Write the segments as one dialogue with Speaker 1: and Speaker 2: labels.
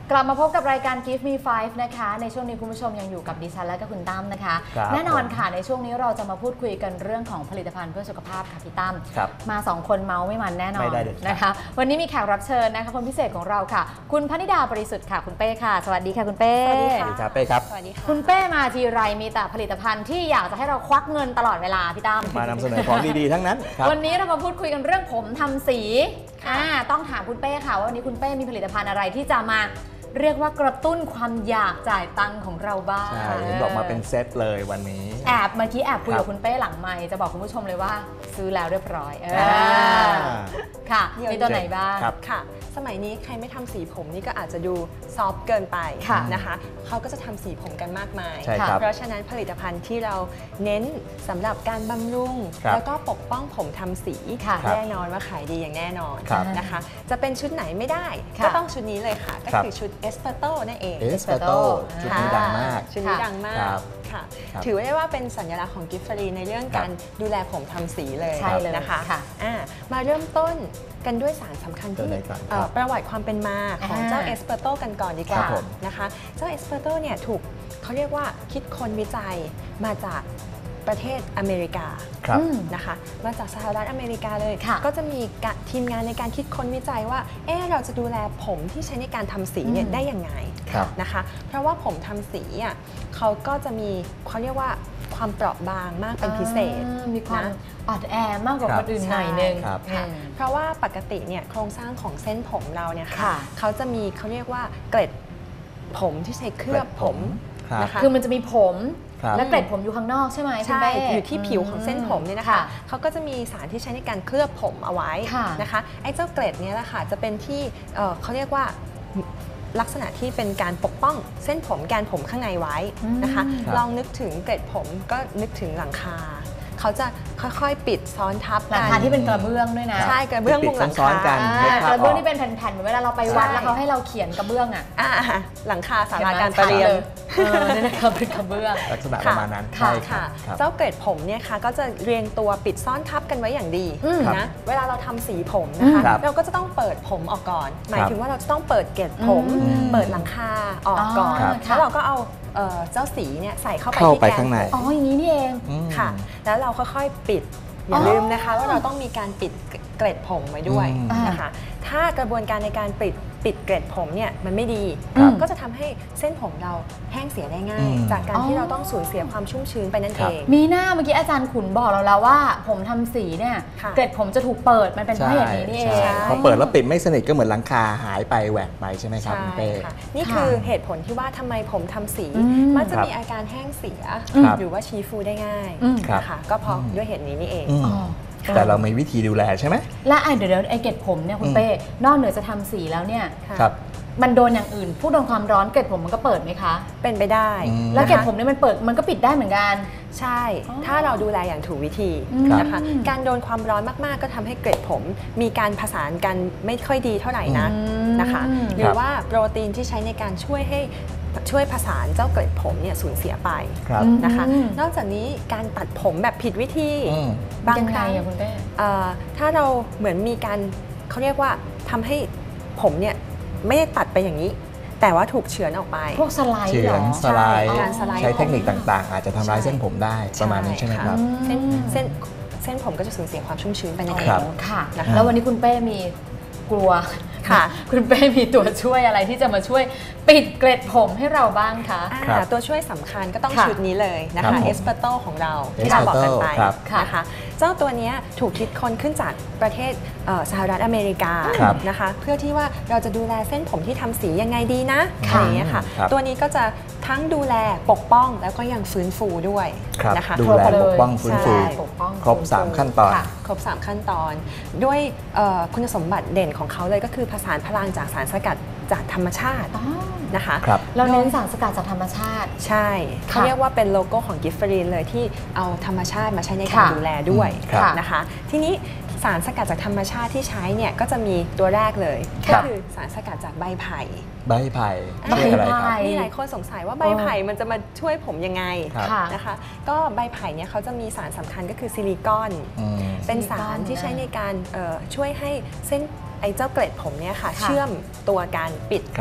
Speaker 1: กลับมาพบกับรายการ Give Me 5 นะคะในช่วงนี้คุณผู้ชมยังอยู่กับดิฉันและก็คุณตั้มนะคะแน่นอนค่ะในช่วงนี้เราจะมาพูดคุยกันเรื่องของผลิตภัณฑ์เพื่อสุขภาพค่ะพี่ตั้มมา2คนเมาไม่มันแน่นอนนะคะวันนี้มีแขกรับเชิญนะคะคนพิเศษของเราค่ะคุณพนิดาบริสุทธิ์ค่ะคุณเป้ค่ะสวัสดีค่ะคุณเป้
Speaker 2: สวัสดีค่ะเป้ครับ
Speaker 1: สวัสดีค่ะคุณเป้มาทีไรมีแต่ผลิตภัณฑ์ที่อยากจะให้เราควักเงินตลอดเวลาพี่ตั้ม
Speaker 2: มานำเสนอของดีๆทั้งนั้น
Speaker 1: วันนี้เรามาพูดคุยกันเรื่องผมทำสีต้องถามคุณเป้ค่ะว่าวันนี้คุณเป้มีผลิตภัณฑ์อะไรที่จะมาเรียกว่ากระตุ้นความอยากจ่ายตังค์ของเราบ้าง
Speaker 2: ใช่เห็นบอกมาเป็นเซตเลยวันนี้
Speaker 1: เมื่อกี้แอบคุยกับคุณเป้หลังไมค์จะบอกคุณผู้ชมเลยว่าซื้อแล้วเรียบร้อยค่ะมีตัวไหนบ้าง
Speaker 3: ค่ะสมัยนี้ใครไม่ทำสีผมนี่ก็อาจจะดูซอฟเกินไปนะคะเขาก็จะทำสีผมกันมากมายเพราะฉะนั้นผลิตภัณฑ์ที่เราเน้นสำหรับการบำรุงแล้วก็ปกป้องผมทำสีแน่นอนว่าขายดีอย่างแน่นอนนะคะจะเป็นชุดไหนไม่ได้ก็ต้องชุดนี้เลยค่ะก็คือชุดเอสเปอร์โตนั่นเอง
Speaker 2: เอสเปอร์โตชุดนี้ดังมาก
Speaker 3: ชุดนี้ดังมากค่ะถือได้ว่าเป็นสัญลักษณ์ของกิฟฟรีในเรื่องการดูแลผมทำสีเลยนะคะมาเริ่มต้นกันด้วยสารสำคัญที่ประวัติความเป็นมาของเจ้าเอสเปอร์โตกันก่อนดีกว่านะคะเจ้าเอสเปอร์โตเนี่ยถูกเขาเรียกว่าคิดค้นวิจัยมาจากประเทศอเมริกานะคะมาจากสหรัฐอเมริกาเลยก็จะมีทีมงานในการคิดค้นวิจัยว่าเราจะดูแลผมที่ใช้ในการทำสีเนี่ยได้ยังไงนะคะเพราะว่าผมทำสีอ่ะเขาก็จะมีเขาเรียกว่าความเปราะบางมากเป็นพิเศษ
Speaker 1: มีความอ่อนแอมากกว่าคนอื่นหน่อยนึง
Speaker 3: เพราะว่าปกติเนี่ยโครงสร้างของเส้นผมเราเนี่ยค่ะเขาจะมีเขาเรียกว่าเกล็ดผมที่ใช้เคลือบผม
Speaker 1: นะคะคือมันจะมีผมและเกล็ดผมอยู่ข้างนอกใช่ไหม
Speaker 3: ใช่อยู่ที่ผิวของเส้นผมเนี่ยนะคะเขาก็จะมีสารที่ใช้ในการเคลือบผมเอาไว้นะคะไอ้เจ้าเกล็ดนี้แหละค่ะจะเป็นที่เขาเรียกว่าลักษณะที่เป็นการปกป้องเส้นผมแกนผมข้างในไว้นะคะลองนึกถึงเกล็ดผมก็นึกถึงหลังคาเขาจะค่อยๆปิดซ้อนทับ
Speaker 1: กันหลังคาที่เป็นกระเบื้องด้วยนะ
Speaker 3: ใช่กระเบื้องมุงหลังคาก
Speaker 1: ระเบื้องที่เป็นแผ่นๆเหมือนเวลาเราไปวัดแล้วเขาให้เราเขียนกระเบื้อง
Speaker 3: หลังคาศาลาการประเรียน
Speaker 1: นี่นะคะเป็นกระเบื้อง
Speaker 2: ลักษณะประมาณนั้น
Speaker 3: ใช่ค่ะเจ้าเกล็ดผมเนี่ยค่ะก็จะเรียงตัวปิดซ่อนทับกันไว้อย่างดีนะเวลาเราทำสีผมนะคะเราก็จะต้องเปิดผมออกก่อนหมายถึงว่าเราจะต้องเปิดเกล็ดผมเปิดหลังคาออกก่อนแล้วเราก็เอาเจ้าสีเนี่ยใส่เข้าไปที่แกนผม
Speaker 1: อย่างนี้นี่เอง
Speaker 3: ค่ะแล้วเราค่อยๆปิดอย่าลืมนะคะว่าเราต้องมีการปิดเกล็ดผมไว้ด้วยนะคะถ้ากระบวนการในการปิดเกล็ดผมเนี่ยมันไม่ดีก็จะทำให้เส้นผมเราแห้งเสียได้ง่ายจากการที่เราต้องสูญเสียความชุ่มชื้นไปนั่นเอง
Speaker 1: มีหน้าเมื่อกี้อาจารย์ขุนบอกเราแล้วว่าผมทำสีเนี่ยเกล็ดผมจะถูกเปิดมันเป็นเพราะอย่างนี้นี่เอง
Speaker 2: พอเปิดแล้วปิดไม่สนิทก็เหมือนหลังคาหายไปแหวกไปใช่ไหมครับคุณเป้
Speaker 3: นี่คือเหตุผลที่ว่าทำไมผมทำสีมักจะมีอาการแห้งเสียหรือว่าชี้ฟูได้ง่ายนะคะก็เพราะด้วยเหตุนี้นี่เอง
Speaker 2: แต่เรามีวิธีดูแลใช่ไหม
Speaker 1: และเดี๋ยวไอเกล็ดผมเนี่ยคุณเป้นอกเหนือจะทำสีแล้วเนี่ยมันโดนอย่างอื่นผู้โดนความร้อนเกล็ดผมมันก็เปิดไหมคะ
Speaker 3: เป็นไปได้
Speaker 1: แล้วเกล็ดผมเนี่ยมันเปิดมันก็ปิดได้เหมือนกัน
Speaker 3: ใช่ถ้าเราดูแลอย่างถูกวิธีนะคะการโดนความร้อนมากๆก็ทำให้เกล็ดผมมีการผสานกันไม่ค่อยดีเท่าไหร่นะนะคะหรือว่าโปรตีนที่ใช้ในการช่วยผสานเจ้าเกล็ดผมเนี่ยสูญเสียไปนะคะนอกจากนี้การตัดผมแบบผิดวิธีบางครั้งถ้าเราเหมือนมีการเขาเรียกว่าทำให้ผมเนี่ยไม่ได้ตัดไปอย่างนี้แต่ว่าถูกเฉือนออกไป
Speaker 1: พวกสไลด์
Speaker 2: เฉือนสไลด์ใช้เทคนิคต่างๆอาจจะทำร้ายเส้นผมได้ประมาณนี้ใช่ไหมครับ
Speaker 3: เส้นผมก็จะสูญเสียความชุ่มชื้นไปนั่นเอง
Speaker 1: ค่ะแล้ววันนี้คุณเป้มีกลัวคุณเป้มีตัวช่วยอะไรที่จะมาช่วยปิดเกล็ดผมให้เราบ้างคะ
Speaker 3: ตัวช่วยสำคัญก็ต้องชุดนี้เลยนะคะเอสเปอร์โตของเราที่เราบอกกันไปนะคะเจ้าตัวนี้ถูกคิดค้นขึ้นจากประเทศสหรัฐอเมริกานะคะเพื่อที่ว่าเราจะดูแลเส้นผมที่ทำสียังไงดีนะอะไรอย่างเงี้ยค่ะตัวนี้ก็จะทั้งดูแลปกป้องแล้วก็ยังฟื้นฟูด้วย
Speaker 2: นะคะดูแลปกป้องฟื้นฟูครบ3ขั้นตอน
Speaker 3: ครบ3ขั้นตอนด้วยคุณสมบัติเด่นของเขาเลยก็คือผสานพลังจากสารสกัดจากธรรมชาตินะคะ
Speaker 1: เราเน้นสารสกัดจากธรรมชาติ
Speaker 3: ใช่เขาเรียกว่าเป็นโลโก้ของกิฟฟรีนเลยที่เอาธรรมชาติมาใช้ในการดูแลด้วยนะคะทีนี้สารสกัดจากธรรมชาติที่ใช้เนี่ยก็จะมีตัวแรกเลยก็คือสารสกัดจากใบไผ่
Speaker 2: มีห
Speaker 3: ลายคนสงสัยว่าใบไผ่มันจะมาช่วยผมยังไงนะคะก็ใบไผ่เนี่ยเขาจะมีสารสำคัญก็คือซิลิคอนเป็นสารที่ใช้ในการช่วยให้เส้นไอ้เจ้าเกล็ดผมเนี่ยค่ะเชื่อมตัวกันปิด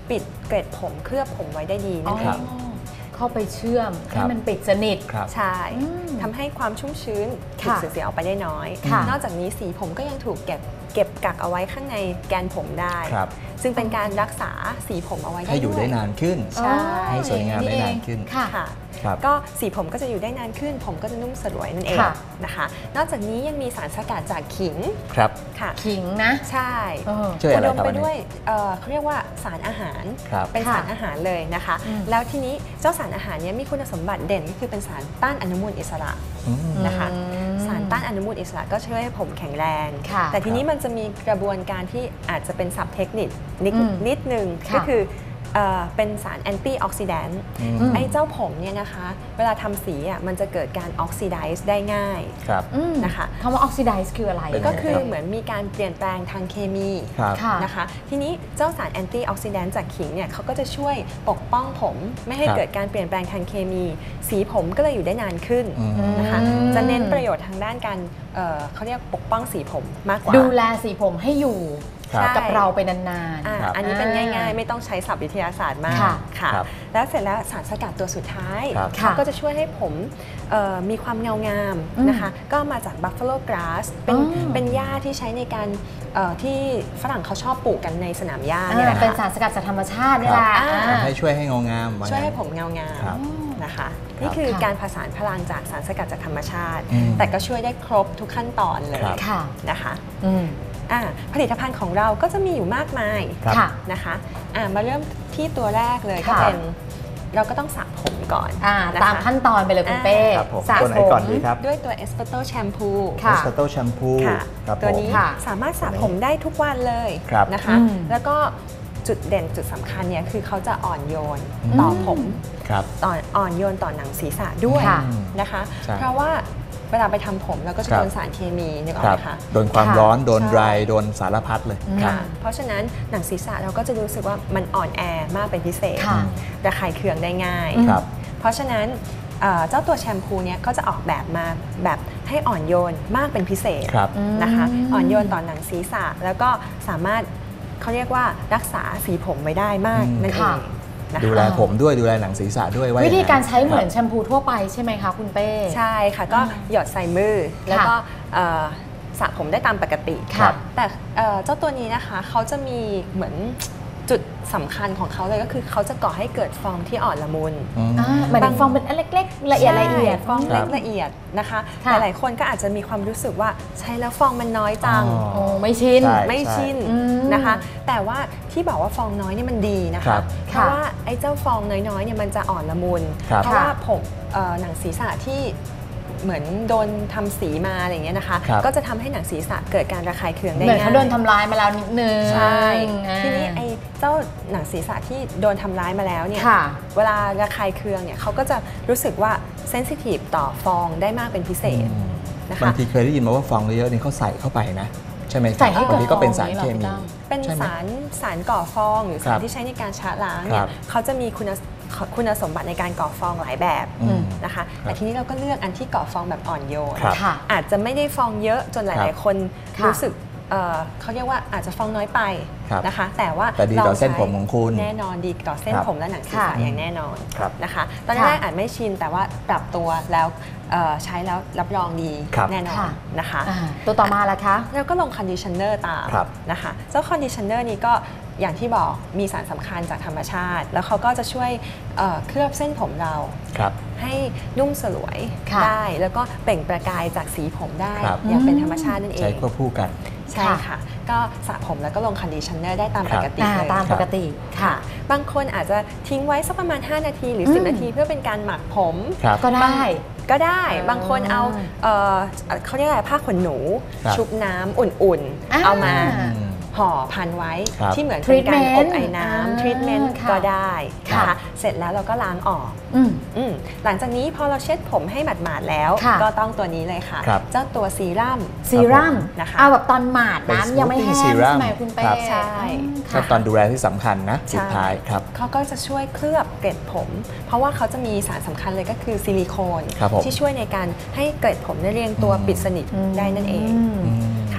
Speaker 3: ปิดเกล็ดผมเคลือบผมไว้ได้ดีนั่นเอง
Speaker 1: เข้าไปเชื่อมให้มันปิดสนิท
Speaker 3: ใช่ทำให้ความชุ่มชื้นถูกเสียออกไปได้น้อยนอกจากนี้สีผมก็ยังถูกเก็บกักเอาไว้ข้างในแกนผมได้ซึ่งเป็นการรักษาสีผมเอาไว้
Speaker 2: ให้อยู่ได้นานขึ้นให้สวยงามได้นานขึ้น
Speaker 3: ก็สีผมก็จะอยู่ได้นานขึ้นผมก็จะนุ่มสลวยนั่นเองนะคะนอกจากนี้ยังมีสารสกัดจากขิง
Speaker 2: ครับ
Speaker 3: ค่ะ
Speaker 1: ขิงนะ
Speaker 3: ใช่
Speaker 2: อุ
Speaker 3: ดมไปด้วยเขาเรียกว่าสารอาหารเป็นสารอาหารเลยนะคะแล้วทีนี้เจ้าสารอาหารนี้มีคุณสมบัติเด่นก็คือเป็นสารต้านอนุมูลอิสระนะคะสารต้านอนุมูลอิสระก็ช่วยให้ผมแข็งแรงแต่ทีนี้มันจะมีกระบวนการที่อาจจะเป็นศัพท์เทคนิคนิดนึงก็คือเป็นสารแอนตี้ออกซิแดนต์ไอ้เจ้าผมเนี่ยนะคะเวลาทำสีอ่ะมันจะเกิดการออกซิไดซ์ได้ง่ายนะคะ
Speaker 1: คำว่าออกซิไดซ์คืออะไร
Speaker 3: ก็คือเหมือนมีการเปลี่ยนแปลงทางเคมีนะคะทีนี้เจ้าสารแอนตี้ออกซิแดนต์จากขิงเนี่ยเขาก็จะช่วยปกป้องผมไม่ให้เกิดการเปลี่ยนแปลงทางเคมีสีผมก็เลยอยู่ได้นานขึ้นนะคะจะเน้นประโยชน์ทางด้านการเขาเรียกปกป้องสีผมมากกว่า
Speaker 1: ดูแลสีผมให้อยู่กับเราไปนาน
Speaker 3: ๆอันนี้เป็นง่ายๆไม่ต้องใช้ศัพท์วิทยาศาสตร์มากค่ะแล้วเสร็จแล้วสารสกัดตัวสุดท้ายก็จะช่วยให้ผมมีความเงางามนะคะก็มาจาก Buffalo Grass เป็นหญ้าที่ใช้ในการที่ฝรั่งเขาชอบปลูกกันในสนามหญ้าเนี่ยแหละ
Speaker 1: เป็นสารสกัดจากธรรมชาตินี่แหละ
Speaker 2: ให้ช่วยให้เงางาม
Speaker 3: ช่วยให้ผมเงางามนะคะนี่คือการผสานพลังจากสารสกัดจากธรรมชาติแต่ก็ช่วยได้ครบทุกขั้นตอนเลยนะคะผลิตภัณฑ์ของเราก็จะมีอยู่มากมายนะคะมาเริ่มที่ตัวแรกเลยก็เป็นเราก็ต้องสระผมก่อน
Speaker 1: ตามขั้นตอนไปเลยคุณเป้
Speaker 2: สระผมก่อนดีครับ
Speaker 3: ด้วยตัว Espresso Shampoo
Speaker 2: Espresso Shampoo
Speaker 3: ตัวนี้สามารถสระผมได้ทุกวันเลยนะคะแล้วก็จุดเด่นจุดสำคัญเนี่ยคือเขาจะอ่อนโยนต่อผมอ่อนโยนต่อหนังศีรษะด้วยนะคะเพราะว่าเวลาไปทำผมเราก็จะโดนสารเคมีนึกออกไหมคะ
Speaker 2: โดนความร้อนโดนไรโดนสารพัดเลย
Speaker 3: เพราะฉะนั้นหนังศีรษะเราก็จะรู้สึกว่ามันอ่อนแอมากเป็นพิเศษระคายเคืองได้ง่ายเพราะฉะนั้นเจ้าตัวแชมพูเนี้ยก็จะออกแบบมาแบบให้อ่อนโยนมากเป็นพิเศษนะคะอ่อนโยนต่อหนังศีรษะแล้วก็สามารถเขาเรียกว่ารักษาสีผมไว้ได้มากนั่นเอง
Speaker 2: ดูแลผมด้วยดูแลหนังศีรษะด้วย
Speaker 1: วิธีการใช้เหมือนแชมพูทั่วไปใช่ไหมคะคุณเป้
Speaker 3: ใช่ค่ะก็หยดใส่มือแล้วก็สระผมได้ตามปกติแต่เจ้าตัวนี้นะคะเขาจะมีเหมือนจุดสำคัญของเขาเลยก็คือเขาจะก่อให้เกิดฟองที่อ่อนละมุน
Speaker 1: เหมือนฟองเป็นเล็กๆละเอียด
Speaker 3: ฟองเล็กละเอียดนะคะหลายคนก็อาจจะมีความรู้สึกว่าใช้แล้วฟองมันน้อยจัง
Speaker 1: ไม่ชิ
Speaker 3: นนะคะแต่ว่าที่บอกว่าฟองน้อยนี่มันดีนะคะเพราะว่าไอ้เจ้าฟองน้อยๆเนี่ยมันจะอ่อนละมุนเพราะว่าผมหนังศีรษะที่เหมือนโดนทำสีมาอะไรอย่างเงี้ยนะคะก็จะทำให้หนังศีรษะเกิดการระคายเคืองได้ง่าย
Speaker 1: เหมือนเขาโดนทำร้ายมาแล้วนิดนึง
Speaker 3: ใช่ทีนี้ไอ้เจ้าหนังศีรษะที่โดนทำร้ายมาแล้วเนี่ยเวลาระคายเคืองเนี่ยเขาก็จะรู้สึกว่าเซนซิทีฟต่อฟองได้มากเป็นพิเศษนะคะ
Speaker 2: บางทีเคยได้ยินมาว่าฟองเยอะๆนี่เขาใส่เข้าไปนะใช่ไหมใส่ให้
Speaker 1: บาง
Speaker 2: ทีก็เป็นสารเคมี
Speaker 3: เป็นสารก่อฟองหรือสารที่ใช้ในการชะล้างเนี่ยเขาจะมีคุณสมบัติในการก่อฟองหลายแบบนะคะแต่ทีนี้เราก็เลือกอันที่ก่อฟองแบบอ่อนโยนอาจจะไม่ได้ฟองเยอะจนหลายๆคนรู้สึกเขาเรียกว่าอาจจะฟองน้อยไปนะคะแต่ว่า
Speaker 2: ดีต่อเส้นผมของคุณ
Speaker 3: แน่นอนดีต่อเส้นผมและหนังศีรษะอย่างแน่นอนนะคะตอนแรกอาจไม่ชินแต่ว่าปรับตัวแล้วใช้แล้วรับรองดีแน่นอนนะคะ
Speaker 1: ตัวต่อมาล่ะคะ
Speaker 3: แล้วก็ลงคอนดิชเนอร์ตามนะคะเจ้าคอนดิชเนอร์นี้ก็อย่างที่บอกมีสารสำคัญจากธรรมชาติแล้วเขาก็จะช่วยเคลือบเส้นผมเราให้นุ่มสลวยได้แล้วก็เปล่งประกายจากสีผมได้อย่างเป็นธรรมชาตินั่นเอง
Speaker 2: ใช้ควบคู่กัน
Speaker 3: ใช่ค่ะก็สระผมแล้วก็ลงคอนดิชเนอร์ได้ตามปกติเลย
Speaker 1: ตามปกติ
Speaker 3: ค่ะบางคนอาจจะทิ้งไว้สักประมาณ5นาทีหรือ10นาทีเพื่อเป็นการหมักผม
Speaker 1: ก็ได้
Speaker 3: บางคนเอาเขาเรียกอะไรผ้าขนหนูชุบน้ำอุ่นๆเอามาห่อพันไว้ที่เหมือนเป็นการอบไอ้น้ำทรีทเมนต์ก็ได้นะคะเสร็จแล้วเราก็ล้างออกหลังจากนี้พอเราเช็ดผมให้หมาดๆแล้วก็ต้องตัวนี้เลยค่ะเจ้าตัวซีรั่ม
Speaker 1: นะคะเอาแบบตอนหมาดน้ำยังไม่แห้งใช่ไหมคุณเป้
Speaker 3: ใช่
Speaker 2: ตอนดูแลที่สำคัญนะสุดท้ายครับ
Speaker 3: เขาก็จะช่วยเคลือบเกล็ดผมเพราะว่าเขาจะมีสารสำคัญเลยก็คือซิลิโคนที่ช่วยในการให้เกล็ดผมได้เรียงตัวปิดสนิทได้นั่นเอง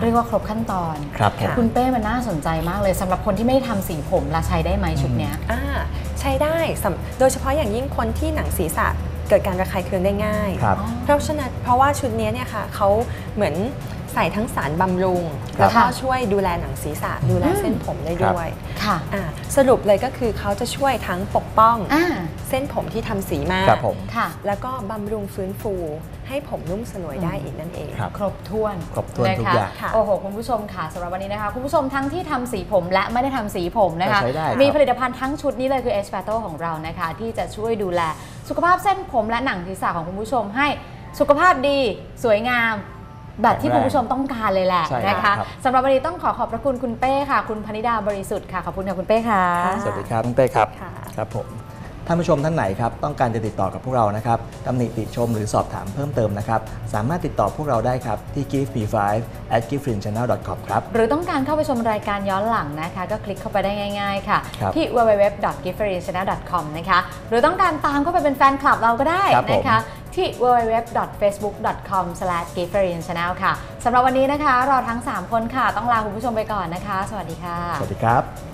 Speaker 1: เรียกว่าครบขั้นตอน
Speaker 2: ครับ
Speaker 1: คุณเป้มันน่าสนใจมากเลยสำหรับคนที่ไม่ได้ทำสีผมละใช้ได้ไหมชุดเนี้ย
Speaker 3: ใช้ได้โดยเฉพาะอย่างยิ่งคนที่หนังศีรษะเกิดการระคายเคืองได้ง่ายเพราะว่าชุดนี้เนี่ยค่ะเขาเหมือนใส่ทั้งสารบำรุงแล้วก็ช่วยดูแลหนังศีรษะดูแลเส้นผมได้ด้วยสรุปเลยก็คือเขาจะช่วยทั้งปกป้องเส้นผมที่ทำสีมาแล้วก็บำรุงฟื้นฟูให้ผมนุ่มสลวยได้อีกนั่นเอง
Speaker 1: ครบถ้วน
Speaker 2: ทุกอย่าง
Speaker 1: โอ้โหคุณผู้ชมค่ะสำหรับวันนี้นะคะคุณผู้ชมทั้งที่ทำสีผมและไม่ได้ทำสีผมนะคะมีผลิตภัณฑ์ทั้งชุดนี้เลยคือ Espato ของเรานะคะที่จะช่วยดูแลสุขภาพเส้นผมและหนังศีรษะของคุณผู้ชมให้สุขภาพดีสวยงามแบบที่คุณผู้ชมต้องการเลยแหละนะคะสำหรับวันนี้ต้องขอบพระคุณคุณเป้ค่ะคุณพนิดาบริสุทธิ์ค่ะขอบคุณค่ะคุณเป้ค่ะ
Speaker 2: สวัสดีครับคุณเป้ครับครับผมท่านผู้ชมท่านไหนครับต้องการจะติดต่อกับพวกเรานะครับตำหนิติชมหรือสอบถามเพิ่มเติมนะครับสามารถติดต่อพวกเราได้ครับที่ giftme5@giftfrinchannel.com ครับ
Speaker 1: หรือต้องการเข้าไปชมรายการย้อนหลังนะคะก็คลิกเข้าไปได้ง่ายๆค่ะที่ www.giftfrinchannel.com นะคะหรือต้องการตามเข้าไปเป็นแฟนคลับเราก็ได้นะคะที่ www.facebook.com/giftfrinchannel ค่ะสำหรับวันนี้นะคะเราทั้ง3คนค่ะต้องลาคุณผู้ชมไปก่อนนะคะสวัสดีค่ะ
Speaker 2: สวัสดีครับ